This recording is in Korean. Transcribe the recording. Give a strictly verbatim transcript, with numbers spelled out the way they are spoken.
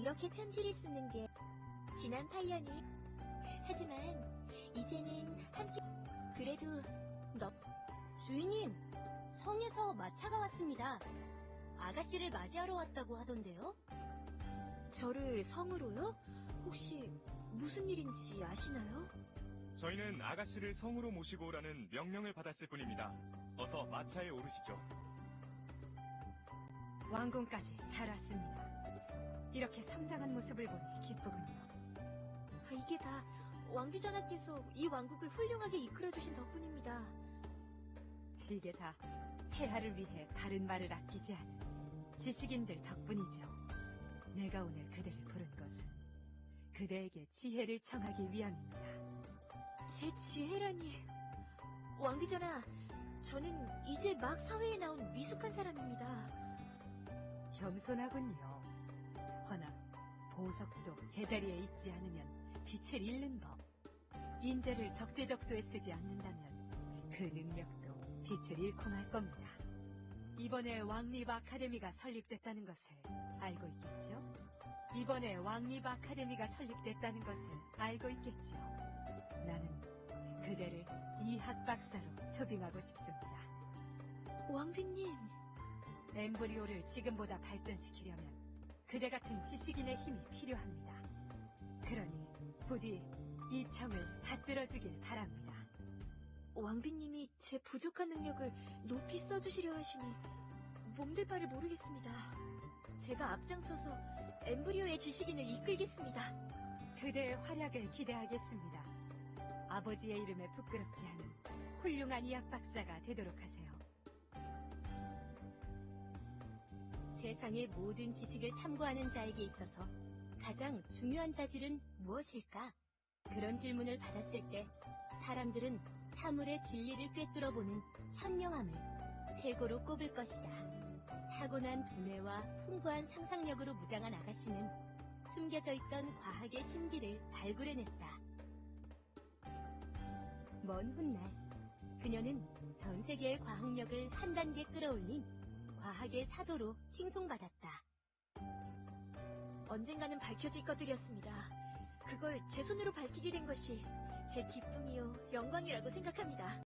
이렇게 편지를 쓰는 게 지난 팔 년이. 하지만 이제는 함께. 그래도 너. 주인님, 성에서 마차가 왔습니다. 아가씨를 맞이하러 왔다고 하던데요? 저를 성으로요? 혹시 무슨 일인지 아시나요? 저희는 아가씨를 성으로 모시고 오라는 명령을 받았을 뿐입니다. 어서 마차에 오르시죠. 왕궁까지 잘 왔습니다. 이렇게 성장한 모습을 보니 기쁘군요. 아, 이게 다 왕비전하께서 이 왕국을 훌륭하게 이끌어주신 덕분입니다. 이게 다 폐하를 위해 바른 말을 아끼지 않은 지식인들 덕분이죠. 내가 오늘 그대를 부른 것은 그대에게 지혜를 청하기 위함입니다. 제 지혜라니. 왕비전하, 저는 이제 막 사회에 나온 미숙한 사람입니다. 겸손하군요. 허나 보석도 제자리에 있지 않으면 빛을 잃는 법. 인재를 적재적소에 쓰지 않는다면 그 능력도 빛을 잃고 말 겁니다. 이번에 왕립 아카데미가 설립됐다는 것을 알고 있겠죠? 이번에 왕립 아카데미가 설립됐다는 것을 알고 있겠죠? 나는 그대를 이 학박사로 초빙하고 싶습니다. 왕비님. 엠브리오를 지금보다 발전시키려면 그대 같은 지식인의 힘이 필요합니다. 그러니 부디 이 청을 받들어주길 바랍니다. 왕비님이 제 부족한 능력을 높이 써주시려 하시니 몸둘 바를 모르겠습니다. 제가 앞장서서 엠브리오의 지식인을 이끌겠습니다. 그대의 활약을 기대하겠습니다. 아버지의 이름에 부끄럽지 않은 훌륭한 이학 박사가 되도록 하세요. 세상의 모든 지식을 탐구하는 자에게 있어서 가장 중요한 자질은 무엇일까? 그런 질문을 받았을 때 사람들은 사물의 진리를 꿰뚫어보는 현명함을 최고로 꼽을 것이다. 타고난 두뇌와 풍부한 상상력으로 무장한 아가씨는 숨겨져 있던 과학의 신비를 발굴해냈다. 먼 훗날 그녀는 전 세계의 과학력을 한 단계 끌어올린 과학의 사도로 칭송받았다. 언젠가는 밝혀질 것들이었습니다. 그걸 제 손으로 밝히게 된 것이 제 기쁨이요 영광이라고 생각합니다.